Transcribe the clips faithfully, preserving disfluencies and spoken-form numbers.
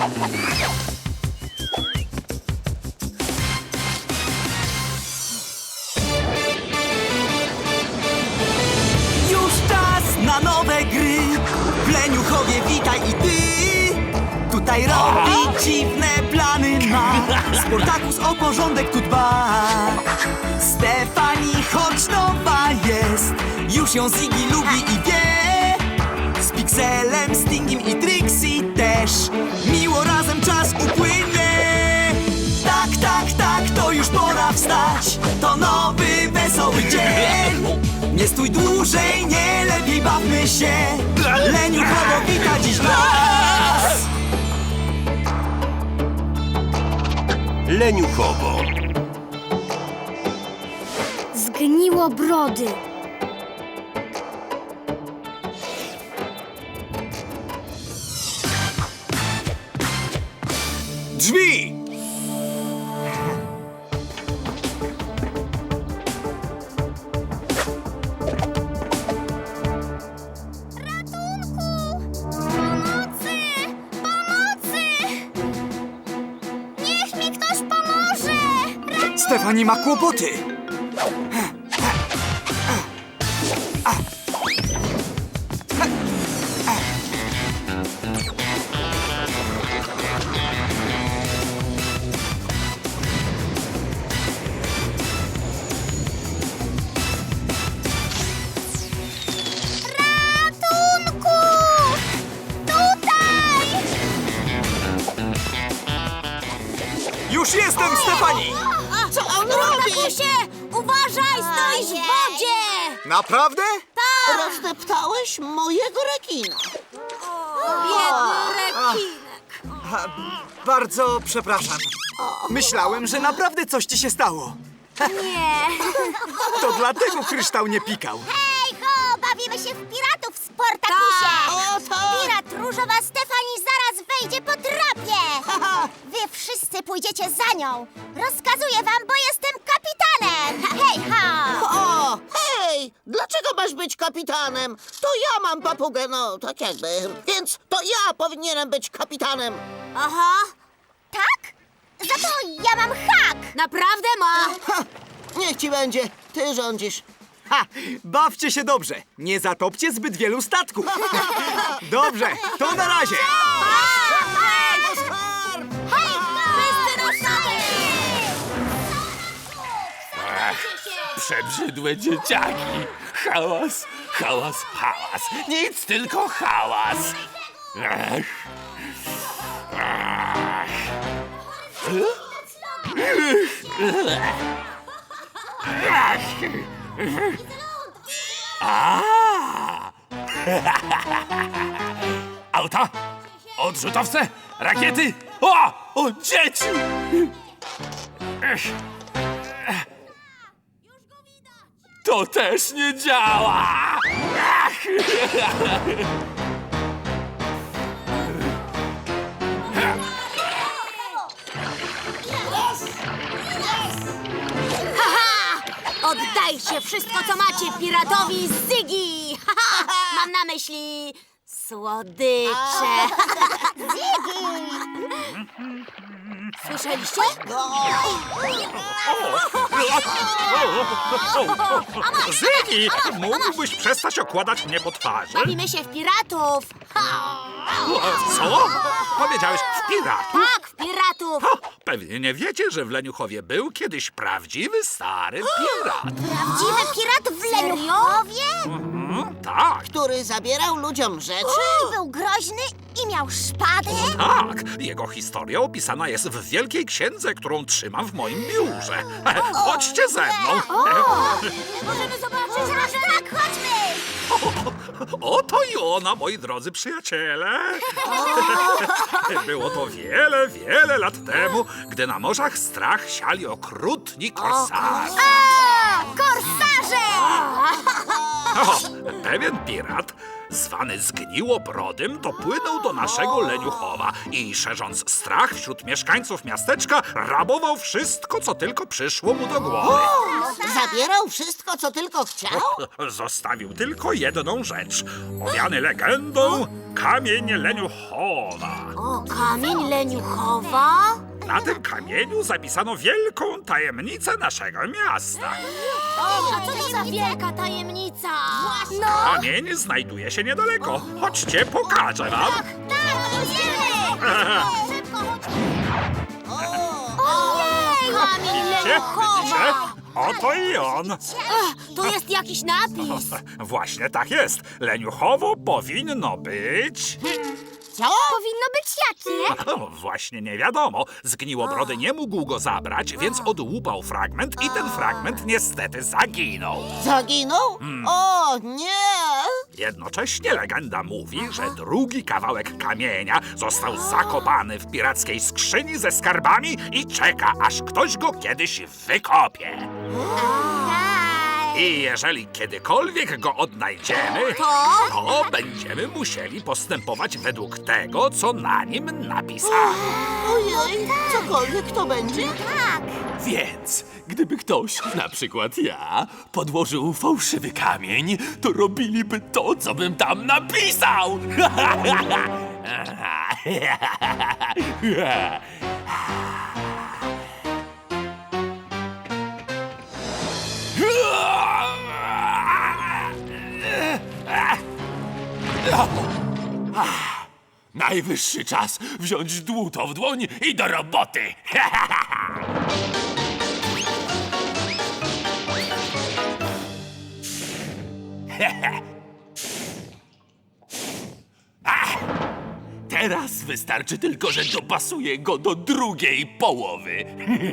Już czas na nowe gry. W Leniuchowie witaj i ty. Tutaj robi dziwne plany ma. Sportakus o porządek tu dba. Stefani, choć nowa jest, już ją Ziggy lubi i wie. Z Pixelem, Stingiem i Trixie też miło razem czas upłynie. Tak, tak, tak, to już pora wstać. To nowy, wesoły dzień. Nie stój dłużej, nie lepiej bawmy się. Leniuchowo wita dziś nas. Leniuchowo. Zgniło brody. Drzwi! Pomocy! Pomocy! Niech mi ktoś pomoże! Stefani ma kłopoty. Ratunku! Tutaj! Już jestem, Stefani! Co on robi? Uważaj, stoisz w wodzie! Naprawdę? Rozdeptałeś mojego rekina. Biedny rekinek. Bardzo przepraszam. Myślałem, że naprawdę coś ci się stało. Nie. To dlatego kryształ nie pikał. Hej, ho! Bawimy się w piratów, Sportakusie! O, tak. Pirat różowa Stefani zaraz wejdzie po trapie! Wy wszyscy pójdziecie za nią! Rozkazuję wam, bo jestem kapitanem! Hej, ho! O, hej! Dlaczego masz być kapitanem? To ja mam papugę, no tak jakby. Więc to ja powinienem być kapitanem. Aha! Tak? Za to ja mam hak! Naprawdę ma! Ha! Niech ci będzie, ty rządzisz. Ha! Bawcie się dobrze. Nie zatopcie zbyt wielu statków. Dobrze, to na razie. Hej, wszyscy ruszamy! Przebrzydłe dzieciaki. Hałas, hałas, hałas. Nic, tylko hałas. Ach. Ach. Ach. A. Auta, odrzutowce, rakiety. O, o dzieci! Ech. To też nie działa! Ach. Oddajcie wszystko, co macie piratowi Ziggy! Mam na myśli słodycze. Ziggy! Słyszeliście? Ziggy, mógłbyś przestać okładać mnie po twarzy? Bawimy się w piratów. Co? Powiedziałeś w piratów? Tak, w piratów. Ha, pewnie nie wiecie, że w Leniuchowie był kiedyś prawdziwy, stary pirat. Prawdziwy pirat w Leniuchowie? Mm, tak, Który zabierał ludziom rzeczy? I był groźny i miał szpadę? tak. Jego historia opisana jest w wielkiej księdze, którą trzymam w moim biurze. Chodźcie ze mną. Możemy zobaczyć razem? Tak, chodźmy! Oto i ona, moi drodzy przyjaciele. Było to wiele, wiele lat temu, gdy na morzach strach siali okrutni korsarze. A, korsarze! O, pewien pirat, zwany Zgniłobrodym, dopłynął do naszego Leniuchowa i szerząc strach wśród mieszkańców miasteczka, rabował wszystko, co tylko przyszło mu do głowy. Zabierał wszystko, co tylko chciał? Zostawił tylko jedną rzecz. Owiany legendą, kamień leniuchowa. O, kamień leniuchowa? Na tym kamieniu zapisano wielką tajemnicę naszego miasta. O, a co to za wielka tajemnica? No, Kamień znajduje się niedaleko. Chodźcie, pokażę wam. tak, idziemy! Szybko, Ojej! Kamień Widzicie? Widzicie? leniuchowa! Oto i on. Ech, to jest jakiś napis. Właśnie tak jest. Leniuchowo powinno być... Co? Powinno być jakie? O, właśnie nie wiadomo. Zgniłobrody nie mógł go zabrać, więc odłupał fragment i ten fragment niestety zaginął. Zaginął? O, nie! Jednocześnie legenda mówi, że drugi kawałek kamienia został zakopany w pirackiej skrzyni ze skarbami i czeka, aż ktoś go kiedyś wykopie. I jeżeli kiedykolwiek go odnajdziemy, to będziemy musieli postępować według tego, co na nim napisano. Ojej, cokolwiek to będzie? Więc, gdyby ktoś, na przykład ja, podłożył fałszywy kamień, to robiliby to, co bym tam napisał! Najwyższy czas wziąć dłuto w dłoń i do roboty! Ach, teraz wystarczy tylko, że dopasuję go do drugiej połowy.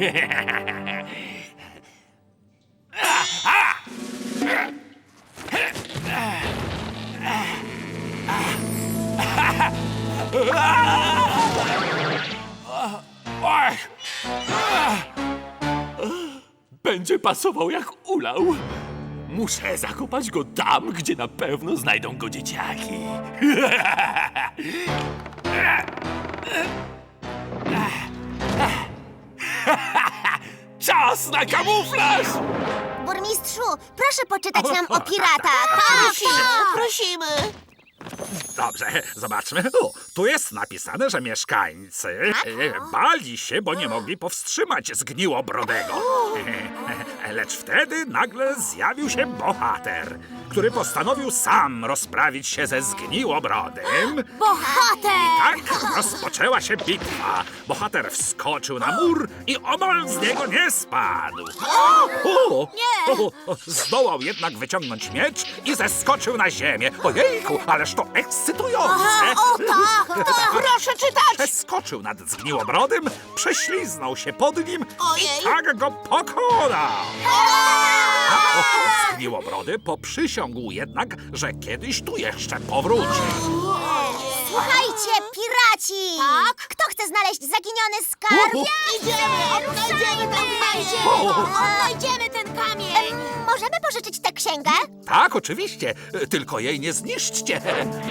Ach. Będzie pasował jak ulał. Muszę zakopać go tam, gdzie na pewno znajdą go dzieciaki. Czas na kamuflaż! Burmistrzu, proszę poczytać nam o piratach. Prosimy, prosimy. Dobrze, zobaczmy. O, tu jest napisane, że mieszkańcy e, bali się, bo nie mogli powstrzymać zgniłobrodego. Lecz wtedy nagle zjawił się bohater, który postanowił sam rozprawić się ze zgniłobrodym. Bohater! Tak rozpoczęła się bitwa. Bohater wskoczył na mur i omal z niego nie spadł. O, Nie! o, o, zdołał jednak wyciągnąć miecz i zeskoczył na ziemię. Ojejku, ależ to ekscytujące. O tak, tak! Proszę czytać! Przeskoczył nad zgniłobrodym, prześliznął się pod nim Ojej. i tak go pokonał. Zgniłobrody poprzysiągł jednak, że kiedyś tu jeszcze powróci. Słuchajcie, piraci! Tak? Kto chce znaleźć zaginiony skarb? Idziemy! Odnajdziemy ten kamień! Odnajdziemy ten kamień! Możemy pożyczyć tę księgę? Tak, oczywiście, tylko jej nie zniszczcie.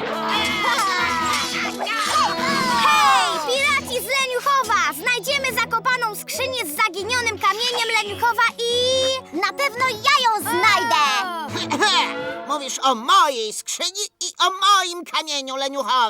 Hej, piraci z Leniuchowa! Znajdziemy zakopaną skrzynię z zaginionym kamieniem Leniuchowa i... Na pewno ja ją znajdę! Mówisz o mojej skrzyni i o moim kamieniu leniuchowa.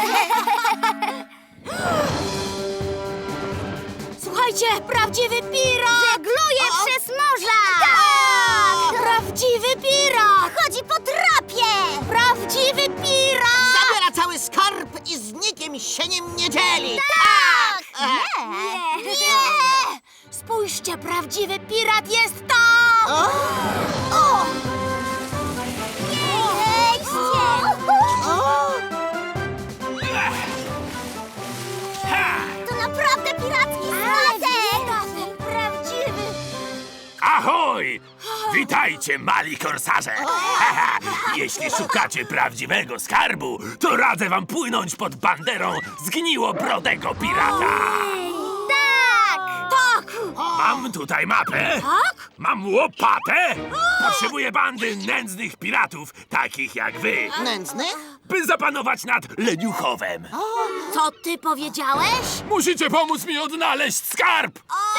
Słuchajcie, prawdziwy pirat! Żegluje przez morza! Tak! Prawdziwy pirat! Chodzi po trapie! Prawdziwy pirat! Zabiera cały skarb i z nikim się nim nie dzieli. Tak! Nie! Nie! Spójrzcie, prawdziwy pirat jest tam! O! O! Wejdźcie! O! To naprawdę piracki statek! Prawdziwy! Ahoj! Witajcie, mali korsarze! Jeśli szukacie prawdziwego skarbu, to radzę wam płynąć pod banderą zgniłobrodego pirata! Tak! Tak! Mam tutaj mapę. Tak? Mam łopatę. Potrzebuję bandy nędznych piratów, takich jak wy, Nędznych? by zapanować nad Leniuchowem. Co ty powiedziałeś? Musicie pomóc mi odnaleźć skarb!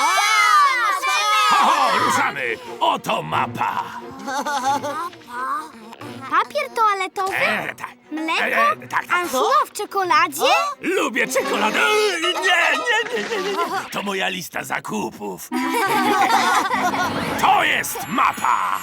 Tak! Oho, ruszamy! Oto mapa! Papier toaletowy? E, tak. Mleko? E, e, tak, tak. Ansuła w czekoladzie? Lubię czekoladę. E, Nie, nie, nie, nie, nie, nie. To moja lista zakupów. To jest mapa.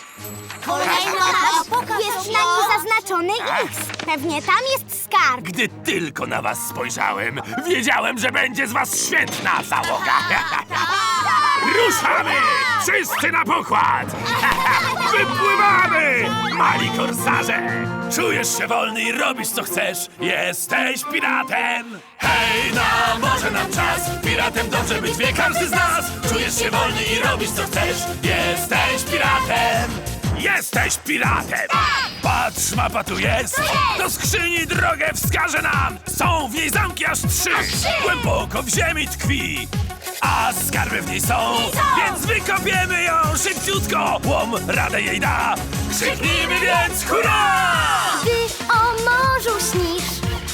Jest na nim zaznaczony X. Pewnie tam jest skarb. Gdy tylko na was spojrzałem, wiedziałem, że będzie z was świetna załoga. Ruszamy! Wszyscy na pokład! Wypływamy! Mali korsarze! Czujesz się wolny i robisz co chcesz? Jesteś piratem! Hej, na morze nam czas! Piratem dobrze być wie każdy z nas! Czujesz się wolny i robisz co chcesz? Jesteś piratem! Jesteś piratem! Patrz, mapa tu jest! Do skrzyni drogę wskaże nam! Są w niej zamki aż trzy! Głęboko w ziemi tkwi! A skarby w niej są! Więc wykopiemy ją szybciutko! Łom radę jej da! Krzyknijmy więc hurra! Ty o morzu śnisz.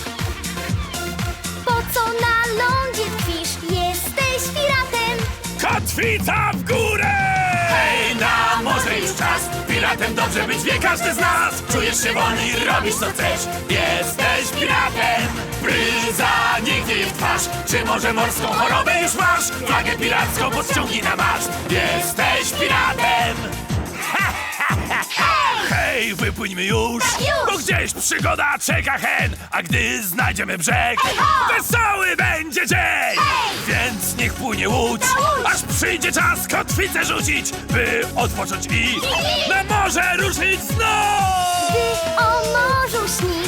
Po co na lądzie tkwisz? Jesteś piratem. Kotwica w górę! Hej, na morze już czas! Piratem dobrze być wie każdy z nas! Czujesz się wolny i robisz co chcesz! Jesteś piratem! Bryza nigdzie je w twarz! Czy może morską chorobę już masz? Flagę piracką podciągnij na maszt! Jesteś piratem! Ha, ha, ha, ha. Hej, wypłyńmy już! Bo gdzieś przygoda czeka hen! A gdy znajdziemy brzeg, wesoły będzie dzień! Więc niech płynie łódź, aż przyjdzie czas kotwicę rzucić, by odpocząć i na morze ruszyć znów! Ty o morzu śnisz.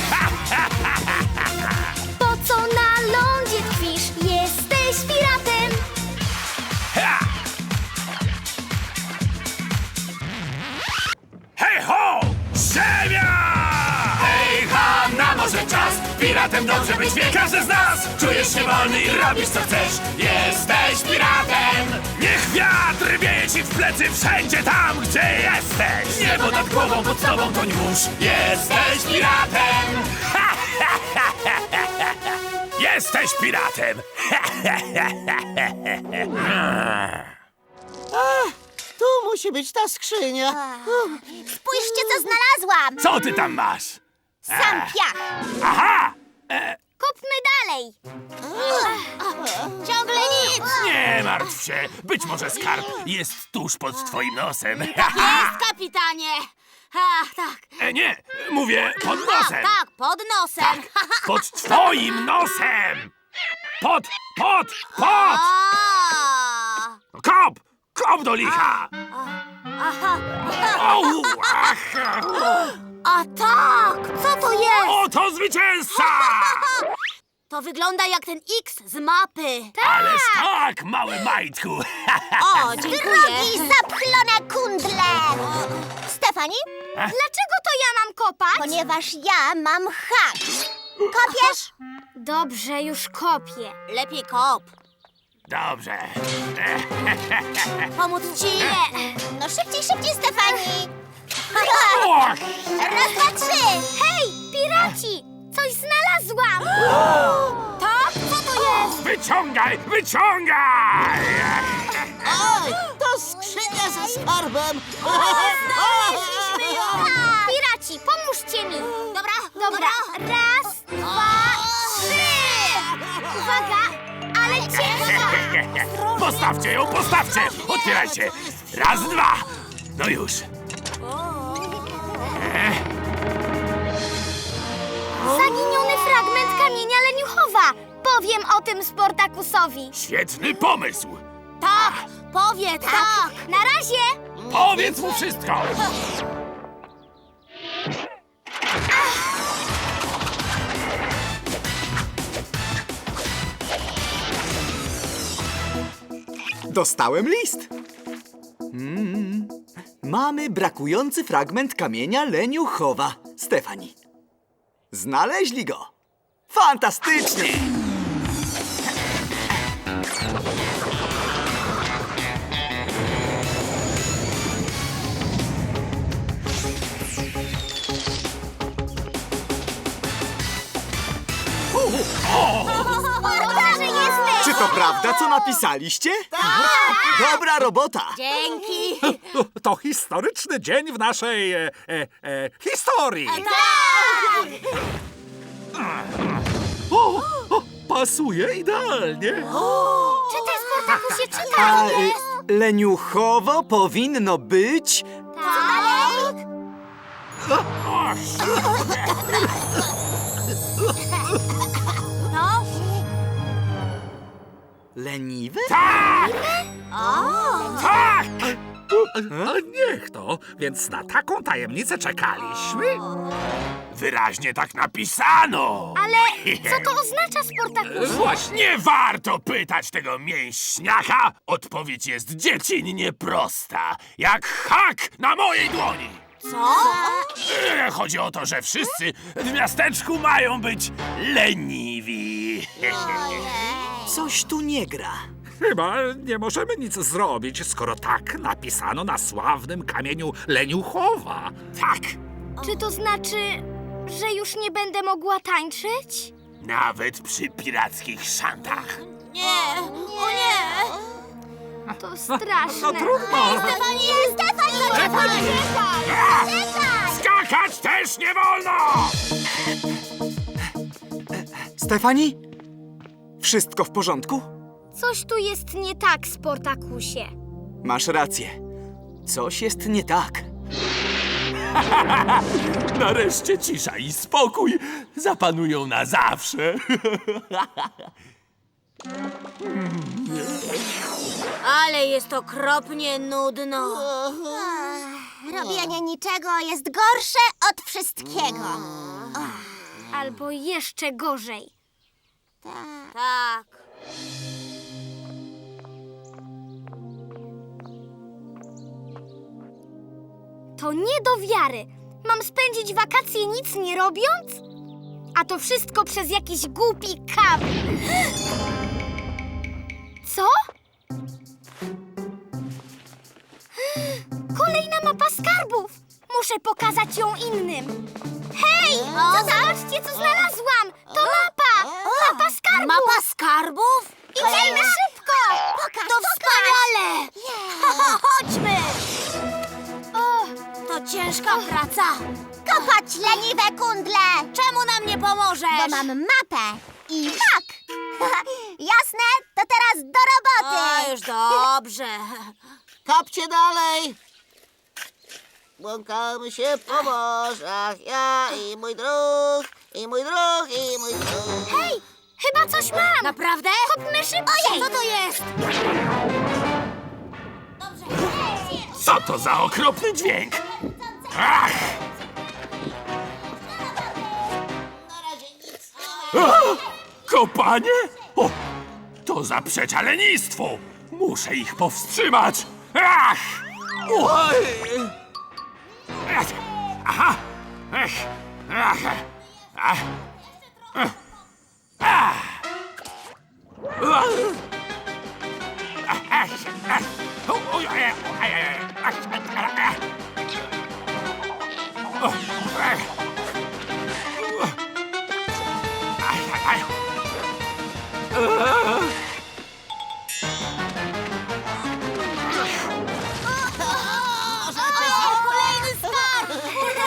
Po co na lądzie tkwisz? Jesteś piratem. Ha! Hej ho! Ziemia! Hej ha! Na morze czas! Piratem dobrze być wie każdy z nas! Czujesz się wolny i robisz co chcesz! Jesteś piratem! Niech wiatr wieje ci w plecy wszędzie tam, gdzie jesteś! Niebo nad głową, pod tobą toń mórz! Jesteś piratem! Ha, ha, ha, ha, ha, ha. Jesteś piratem! Ha, ha, ha, ha, ha, ha. Tu musi być ta skrzynia. Spójrzcie, co znalazłam! Co ty tam masz? Sam piach! Aha! Kopmy dalej. Ciągle nic! Nie martw się! Być może skarb jest tuż pod twoim nosem. Jest, kapitanie! A, tak. E, nie, mówię pod nosem. Tak, pod nosem. Pod twoim nosem! Pod, pod, pod! A, Kop! Kop do licha! aha. Au, ach. A tak, co to jest? Oto zwycięzca! To wygląda jak ten X z mapy. Ależ tak, mały majtku! O, dziękuję. Drogi zapchlone kundle! Stefani? Dlaczego to ja mam kopać? Ponieważ ja mam hak. Kopiesz? Dobrze, już kopię. Lepiej kop. Dobrze. Pomóc ci? Nie. No szybciej, szybciej, Stefani. Och, Raz, dwa, trzy. Hej, piraci! Coś znalazłam! Tak? Co to jest? wyciągaj, wyciągaj! Oj, to skrzynia ze skarbem. Znaleźliśmy ją. Piraci, pomóżcie mi! Dobra, Dobra, raz, dwa, trzy! Uwaga, ale ciężko! Postawcie ją, postawcie! Otwierajcie! Raz, dwa! No już. Zaginiony fragment kamienia leniuchowa! Powiem o tym Sportakusowi. Świetny pomysł! Tak, powiedz, tak. Na razie! Powiedz mu wszystko! Dostałem list. Mm. Mamy brakujący fragment kamienia leniuchowa. Stefani. Znaleźli go. Fantastycznie! Dobrze, że jesteś! Czy to prawda, co napisaliście? Tak! Dobra robota! Dzięki. To historyczny dzień w naszej e, e, e, historii. Tak. O, o, pasuje idealnie. Czytaj, Sportakusie, A, czytaj! y, leniuchowo powinno być... Tak? No? Leniwe? Tak! Tak! A niech to, więc na taką tajemnicę czekaliśmy. Wyraźnie tak napisano. Ale co to oznacza, Sportakusie? Właśnie nie warto pytać tego mięśniaka. Odpowiedź jest dziecinnie prosta. Jak hak na mojej dłoni. Co? E, Chodzi o to, że wszyscy w miasteczku mają być leniwi. Coś tu nie gra. Chyba nie możemy nic zrobić, skoro tak napisano na sławnym kamieniu Leniuchowa. Tak, Czy to znaczy, że już nie będę mogła tańczyć? nawet przy pirackich szantach. Nie, o nie! To straszne. No trudno. Stefani, Stefani, Stefani! Czekaj! Skakać też nie wolno! Stefani? Wszystko w porządku? Coś tu jest nie tak, Sportakusie. Masz rację. Coś jest nie tak. Nareszcie cisza i spokój zapanują na zawsze. Ale jest okropnie nudno. Robienie niczego jest gorsze od wszystkiego. Albo jeszcze gorzej. Tak. To nie do wiary. Mam spędzić wakacje nic nie robiąc? A to wszystko przez jakiś głupi kap. Co? Kolejna mapa skarbów. Muszę pokazać ją innym. Hej! Co zobaczcie, co znalazłam! To mapa! Mapa skarbów! Mapa skarbów? Idziemy szybko! Pokaż, To wspaniale! Chodźmy! O, to ciężka praca. Kopać leniwe kundle! Czemu nam nie pomożesz? Bo mam mapę i hak! Jasne? To teraz do roboty! O, już dobrze. Kopcie dalej! Błąkamy się po morzach, ja i mój druh, i mój druh, i mój druh. Hej, chyba coś mam! Naprawdę? Chodźmy szybciej! Co to jest? Co to za okropny dźwięk? Ach! A! Kopanie? O, to zaprzecza lenistwu. Muszę ich powstrzymać. Ach! Oj! Ech! Aha! Ech! Ach! Ach! Ech! Ach! Ach! Ach! Ach! O, oj, oj, oj, oj, ach, ach, ach. O, ach. Aj, aj, aj. Ach. Kolejny skarb!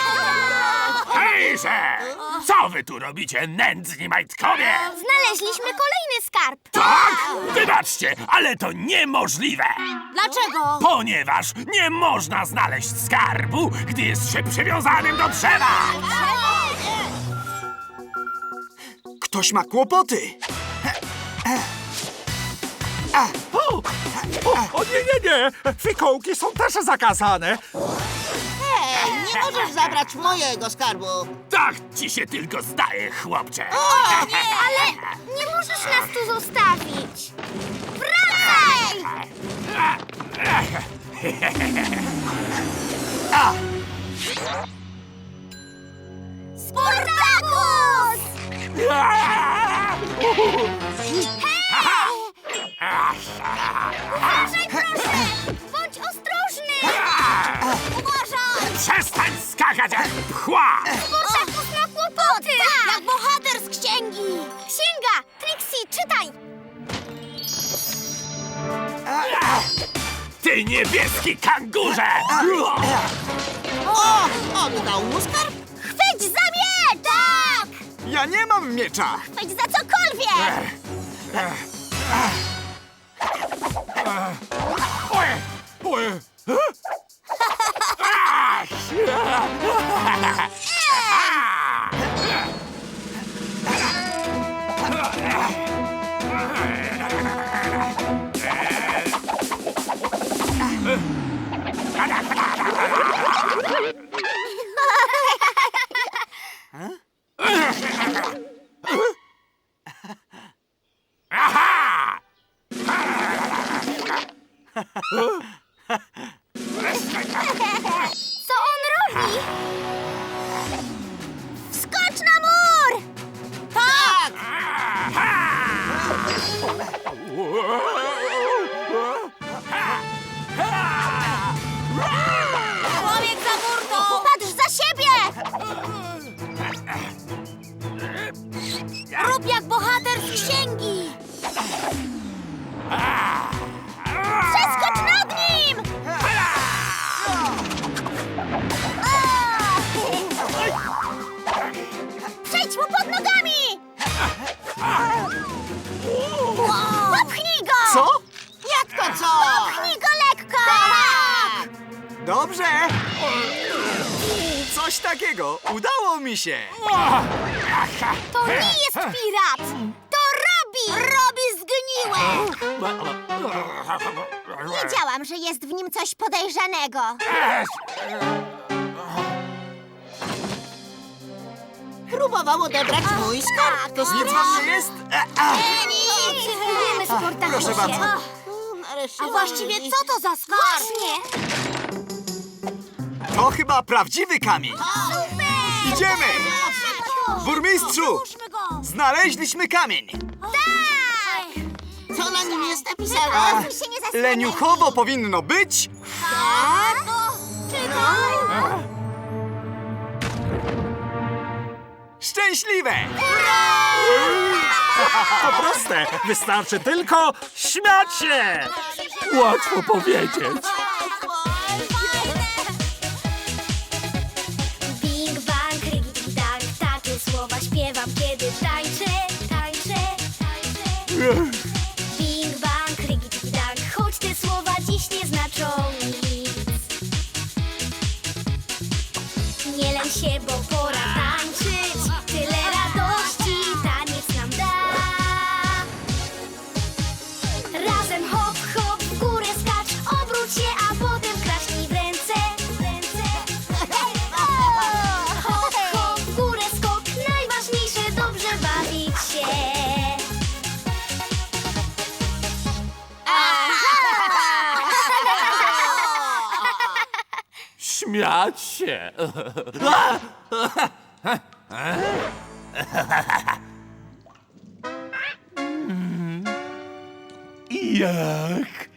Hejże! Co wy tu robicie, nędzni majtkowie? Znaleźliśmy kolejny skarb. Tak! Wybaczcie, ale to niemożliwe! Dlaczego? Ponieważ nie można znaleźć skarbu, gdy jest się przywiązanym do drzewa! Ktoś ma kłopoty. O, o, o nie, nie, nie. Fikołki są też zakazane. Hej, nie możesz zabrać mojego skarbu. Tak ci się tylko zdaje, chłopcze! Ale nie możesz nas tu zostawić. Wracaj! Sportakus! Uważaj, proszę! Bądź ostrożny! Uważaj! Przestań skakać jak pchła! Sportakus ma kłopoty! Jak bohater z księgi! Księga! Trixie, czytaj! Ty niebieski kangurze! O, oddał mu skarb? Chwyć za miecz! Ja nie mam miecza! Chwyć za cokolwiek! Co on robi? Skocz na mur! Tak! Człowiek za burtą! Patrz za siebie! Rób jak bohater z księgi! Przeskocz nad nim! Przejdź mu pod nogami! Popchnij go! Co? Jak to co? Popchnij go lekko! Tak! Dobrze! Coś takiego! Udało mi się! To nie jest pirat! To Robi! Robi zgniłe! Wiedziałam, że jest w nim coś podejrzanego. Próbował odebrać mój skarb. To Nic wam nie jest? E, a. Dziękujemy, Sportakusie. Proszę bardzo. Nareszcie A właściwie co to za skarb? Właśnie. To chyba prawdziwy kamień! Idziemy! Burmistrzu! Znaleźliśmy kamień! Co na nim jest napisane? Się nie zasłaniaj. Leniuchowo powinno być! Tak? Czekaj! Szczęśliwe! To proste, wystarczy tylko śmiać się! Łatwo powiedzieć. Bing bang, rigi dang, takie słowa śpiewam, kiedy tańczę, tańczę, tańczę. Bing bang, rigi dang, choć te słowa dziś nie znaczą nic. Nie lęk się, bo pora tańczyć, tyle radości taniec nam da. Razem hop, hop, w górę skacz, obróć się, a potem klaśnij w ręce, w ręce. Hop, hop, w górę skok, najważniejsze dobrze bawić się. Śmiać się. Jak?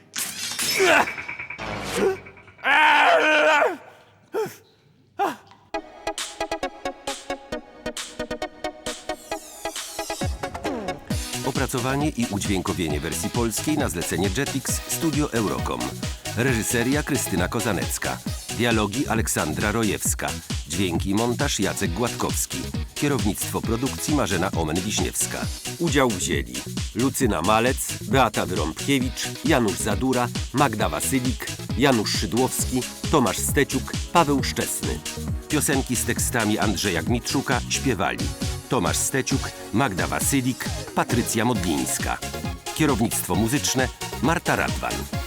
Opracowanie i udźwiękowienie wersji polskiej na zlecenie Jetix Studio Eurocom. Reżyseria Krystyna Kozanecka. Dialogi Aleksandra Rojewska. Dźwięk i montaż Jacek Gładkowski. Kierownictwo produkcji Marzena Omen-Wiśniewska. Udział wzięli Lucyna Malec, Beata Wyrąbkiewicz, Janusz Zadura, Magda Wasylik, Janusz Szydłowski, Tomasz Steciuk, Paweł Szczesny. Piosenki z tekstami Andrzeja Gmitrzuka śpiewali Tomasz Steciuk, Magda Wasylik, Patrycja Modlińska. Kierownictwo muzyczne Marta Radwan.